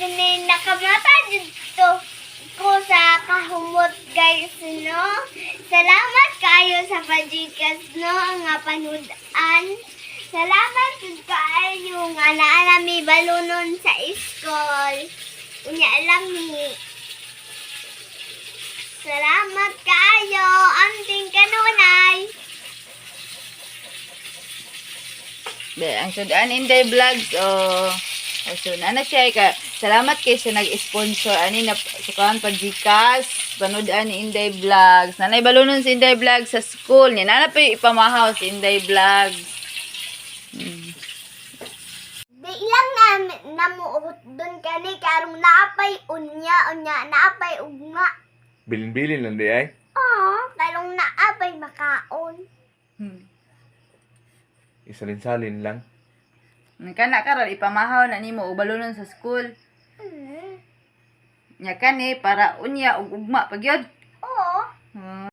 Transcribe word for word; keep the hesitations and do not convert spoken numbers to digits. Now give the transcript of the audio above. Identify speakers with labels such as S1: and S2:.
S1: ini nakamata dito ko sa kahumot guys no. Salamat kayo sa pajikas no nga panudan. Salamat jud kaayo nga naa nami balunon sa school. Unya lami. Salamat kayo anting kanunay.
S2: Be, ang sudan Inday Vlogs oh. Oh, so, na siya ka. Salamat kay sa nag-sponsor ani na sa kan Gcash panood-an ni Inday Vlogs. Nanay balunon si Inday Vlogs sa school niya. Nana pa ipamahaw si Inday Vlogs. Hmm.
S1: Di ilang na namuot doon kani karong naapay unya unya naapay ugma.
S3: Bilin-bilin lang di ay.
S1: Oh, karong naapay makaon.
S2: Hmm.
S3: Isalin-salin lang.
S2: Kana karon ipamahaw na nimo og balunon sa school.
S1: Mm.
S2: Nya kani para unya og ugma pagyod.
S1: Oo.
S2: Hmm.